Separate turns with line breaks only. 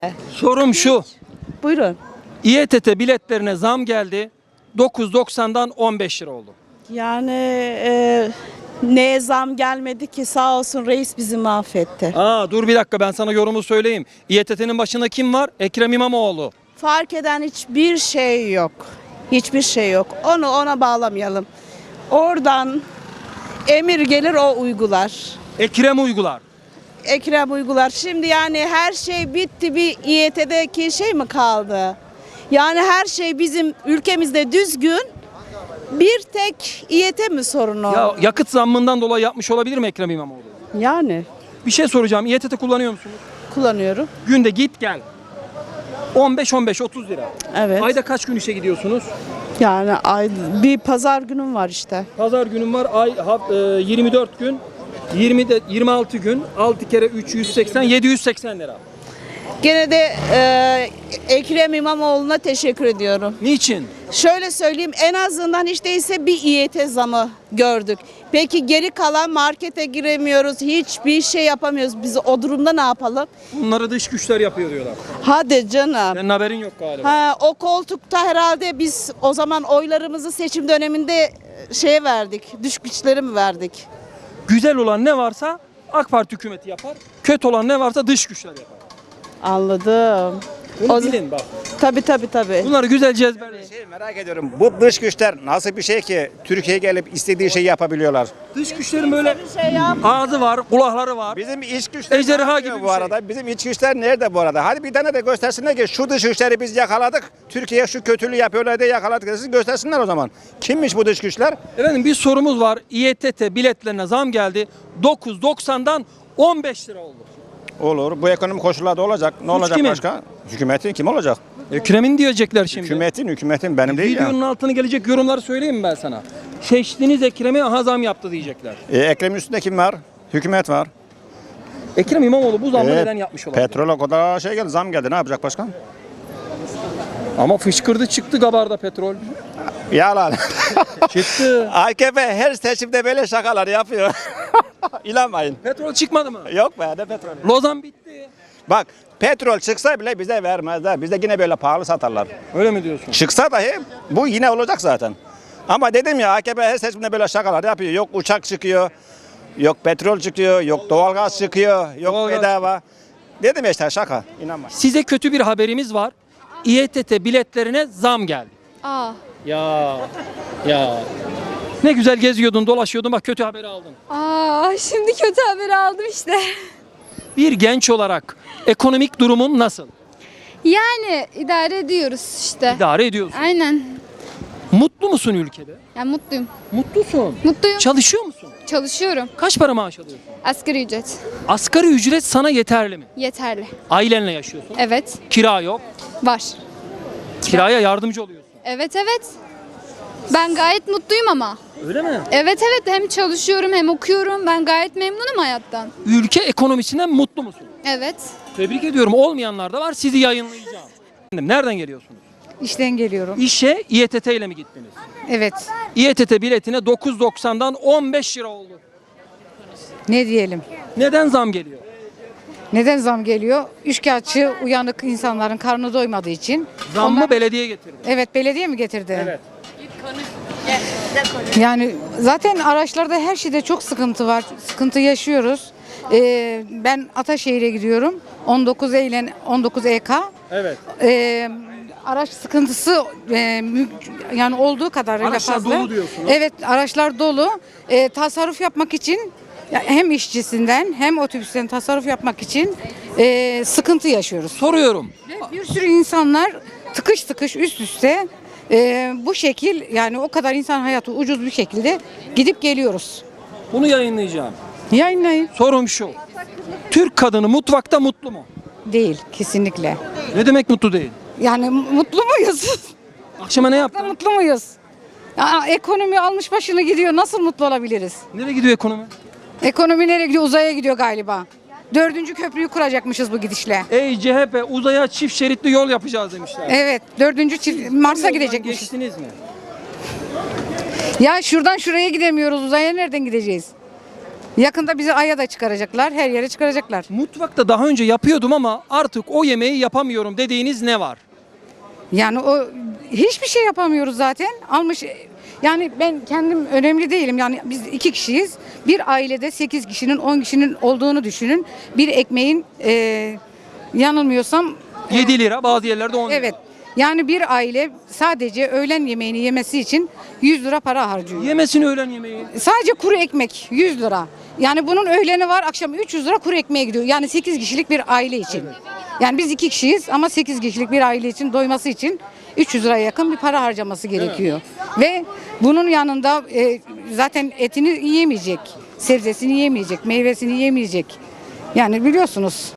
Sorum şu.
Buyurun.
İETT biletlerine zam geldi. 9.90'dan 15 lira oldu.
Yani neye zam gelmedi ki, sağ olsun reis bizi mahvetti.
Dur bir dakika, ben sana yorumu söyleyeyim. İETT'nin başında kim var? Ekrem İmamoğlu.
Fark eden hiçbir şey yok. Hiçbir şey yok. Onu ona bağlamayalım. Oradan emir gelir, o uygular.
Ekrem uygular.
Ekrem uygular. Şimdi yani her şey bitti, bir İETT'deki şey mi kaldı? Yani her şey bizim ülkemizde düzgün. Bir tek İET mi sorunu?
Ya yakıt zammından dolayı yapmış olabilir mi Ekrem İmamoğlu?
Yani
Bir şey soracağım. İETT kullanıyor musunuz?
kullanıyorum.
Günde git gel. 15-30 lira.
Evet.
Ayda kaç gün işe gidiyorsunuz?
Yani bir pazar günüm var işte.
Pazar günüm var. 24 gün. 26 gün. 6 kere 380, 780 lira.
Gene de Ekrem İmamoğlu'na teşekkür ediyorum.
Niçin?
Şöyle söyleyeyim, en azından hiç değilse bir İET zamı gördük. Peki geri kalan, markete giremiyoruz, hiçbir şey yapamıyoruz. Biz o durumda ne yapalım?
Bunları dış güçler yapıyor diyorlar.
Hadi canım.
Senin haberin yok galiba.
O koltukta herhalde biz o zaman oylarımızı seçim döneminde şeye verdik, dış güçlere mi verdik?
Güzel olan ne varsa AK Parti hükümeti yapar. Kötü olan ne varsa dış güçler yapar.
Anladım.
Bunu bilin bak.
Tabii.
Bunları güzelce ezberleyin.
Merak ediyorum. Bu dış güçler nasıl bir şey ki Türkiye'ye gelip istediği şeyi yapabiliyorlar?
Dış güçlerin böyle
Şey yap.
ağzı var, kulakları var.
Bizim iç güçler
Ejderha
ne yapıyor
gibi
bu
bir
arada? Bizim iç güçler nerede bu arada? Hadi bir tane de göstersinler ki şu dış güçleri biz yakaladık. Türkiye'ye şu kötülüğü yapıyorlar diye yakaladık. Siz göstersinler o zaman. Kimmiş bu dış güçler?
Efendim bir sorumuz var. İETT biletlerine zam geldi. 9.90'dan 15 lira oldu.
Olur. Bu ekonomi koşullarda olacak. Ne olacak
kimin?
başka? Hükümetin kim olacak?
Ekrem'in diyecekler şimdi.
Hükümetin benim değil ya.
Videonun altına gelecek yorumları söyleyeyim mi ben sana? Seçtiğiniz Ekrem'e aha zam yaptı diyecekler.
Ekrem'in üstünde kim var? Hükümet var.
Ekrem İmamoğlu bu zammı neden yapmış olabilir?
Petrole kadar şey geldi, zam geldi. Ne yapacak başkan?
Ama fışkırdı çıktı Gabar'da petrol.
Yalan.
Çıktı.
AKP her seçimde böyle şakalar yapıyor. İnanmayın.
Petrol çıkmadı mı?
Yok be, ne petrolü?
Lozan bitti.
Bak, petrol çıksa bile bize vermezler. Bize yine böyle pahalı satarlar.
Öyle mi diyorsun?
Çıksa dahi bu yine olacak zaten. Ama dedim ya, AKP her seçimde böyle şakalar yapıyor. Yok uçak çıkıyor, yok petrol çıkıyor, yok doğalgaz çıkıyor, yok
Doğalgaz.
bedava. Dedim ya işte şaka. İnanma.
Size kötü bir haberimiz var. İETT biletlerine zam geldi.
Aa.
Ya. Ne güzel geziyordun, dolaşıyordun, bak kötü haberi aldın.
Şimdi kötü haberi aldım işte.
Bir genç olarak ekonomik durumun nasıl?
Yani idare ediyoruz işte.
İdare ediyorsun.
Aynen.
Mutlu musun ülkede?
Yani mutluyum.
Mutlusun.
Mutluyum.
Çalışıyor musun?
Çalışıyorum.
Kaç para maaş alıyorsun?
Asgari ücret.
Asgari ücret sana yeterli mi?
Yeterli.
Ailenle yaşıyorsun.
Evet.
Kira yok.
Var.
Kiraya yardımcı oluyorsun.
Evet. Ben gayet mutluyum ama.
Öyle mi?
Evet. Hem çalışıyorum hem okuyorum. Ben gayet memnunum hayattan.
Ülke ekonomisinden mutlu musun?
Evet.
Tebrik ediyorum. Olmayanlar da var. Sizi yayınlayacağım. Nereden geliyorsunuz?
İşten geliyorum.
İşe İETT ile mi gittiniz?
Evet.
İETT biletine 9.90'dan 15 lira oldu.
Ne diyelim?
Neden zam geliyor?
Neden zam geliyor? Üçkağıtçı uyanık insanların karnı doymadığı için.
Zammı
Onlar-
belediye getirdi.
Evet, belediye mi getirdi?
Evet.
Yani zaten araçlarda her şeyde çok sıkıntı var. Sıkıntı yaşıyoruz. Ben Ataşehir'e gidiyorum. 19 Eylül 19 EK.
Evet.
Araç sıkıntısı yani olduğu kadarıyla
Araçlar
fazla.
dolu diyorsunuz.
Evet, araçlar dolu. Tasarruf yapmak için hem işçisinden hem otobüsten tasarruf yapmak için sıkıntı yaşıyoruz.
Soruyorum.
Bir sürü insanlar tıkış tıkış üst üste bu şekil, yani o kadar insan hayatı ucuz bir şekilde gidip geliyoruz.
Bunu yayınlayacağım.
Yayınlayın.
Sorum şu. Türk kadını mutfakta mutlu mu?
Değil, kesinlikle.
Ne demek mutlu değil?
Yani mutlu muyuz?
Akşama ne yaptın?
Mutlu muyuz? Ya, ekonomi almış başını gidiyor. Nasıl mutlu olabiliriz?
Nereye gidiyor ekonomi?
Ekonomi nereye gidiyor? Uzaya gidiyor galiba. 4. köprüyü kuracakmışız bu gidişle.
Ey CHP, uzaya çift şeritli yol yapacağız demişler.
Evet, 4. Mars'a
Yoldan
gidecekmişiz.
Geçtiniz mi?
Ya şuradan şuraya gidemiyoruz. Uzaya nereden gideceğiz? Yakında bizi Ay'a da çıkaracaklar, her yere çıkaracaklar.
Mutfakta daha önce yapıyordum ama artık o yemeği yapamıyorum dediğiniz ne var?
Yani o hiçbir şey yapamıyoruz zaten. Almış yani ben kendim önemli değilim. Yani biz 2 kişiyiz. Bir ailede 8 kişinin 10 kişinin olduğunu düşünün. Bir ekmeğin yanılmıyorsam
7 lira, bazı yerlerde 10 lira.
evet. Yani bir aile sadece öğlen yemeğini yemesi için 100 lira para harcıyor.
Yemesin öğlen yemeği.
Sadece kuru ekmek 100 lira. Yani bunun öğleni var, akşam 300 lira kuru ekmeğe gidiyor. Yani 8 kişilik bir aile için. Yani biz 2 kişiyiz ama 8 kişilik bir aile için doyması için 300 liraya yakın bir para harcaması gerekiyor. Ve bunun yanında zaten etini yiyemeyecek, sebzesini yiyemeyecek, meyvesini yiyemeyecek. Yani biliyorsunuz.